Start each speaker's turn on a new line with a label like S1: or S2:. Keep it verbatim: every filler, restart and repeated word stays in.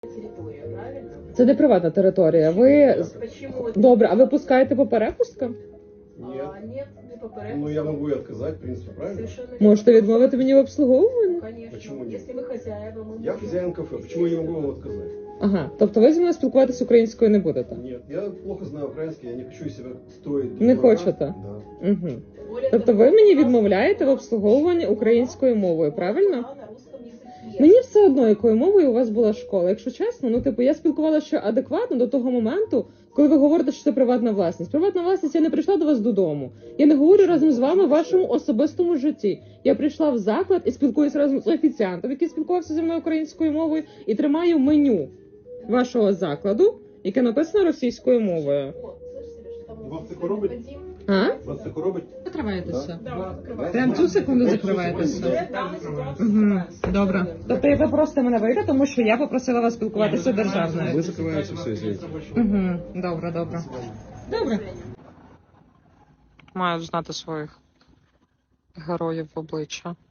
S1: территория, правильно?
S2: Це не приватна територія. Ви
S1: Почему это?
S2: добре, а ви пускаєте по перепусткам?
S3: Нет.
S1: А, нет, не по порядку.
S3: Ну, я могу и отказать, в принципе, правильно?
S1: Совершенно
S2: Можете
S1: верно.
S2: відмовити мені в обслуговуванні?
S1: Конечно.
S3: Почему нет?
S1: Если вы хозяева, мы
S3: Я
S1: можем.
S3: хозяин кафе, почему я не могу вам отказать?
S2: Ага, тобто ви зі мною спілкуватися українською не будете?
S3: Нет, я плохо знаю украинский, я не хочу из себя строить...
S2: Не
S3: дурака.
S2: хочете?
S3: Да.
S2: Угу.
S1: Более
S2: Тобто
S1: того,
S2: ви мені
S1: у нас
S2: відмовляєте в
S1: на
S2: обслуговуванні українською мовою, правильно?
S1: на русском языке.
S2: Мені все одно, якою мовою у вас була школа. Якщо чесно, ну типу я спілкувалася ще адекватно до того моменту, коли ви говорите, що це приватна власність. Приватна власність, я не прийшла до вас додому. Я не говорю разом з вами в вашому особистому житті. Я прийшла в заклад і спілкуюся разом з офіціантом, який спілкувався зі мною українською мовою, і тримаю меню вашого закладу, яке написано російською мовою.
S1: Вот, слышите, что там
S3: Вам
S1: если
S3: це коробить?
S1: необходим-
S2: А?
S3: Вас це робить?
S2: Закриваєтеся.
S1: Да, мы закрываем.
S2: Прям цю секунду закриваєтеся.
S1: Уже в данной ситуации
S2: Угу.
S1: закрываемся.
S2: Добре. Тобто ви просите мене вийти, тому що я попросила вас спілкуватися державною.
S3: Вы закрываете все, извините.
S2: Угу. Добре, добре. Добре. Мають знати своїх героїв в обличчя.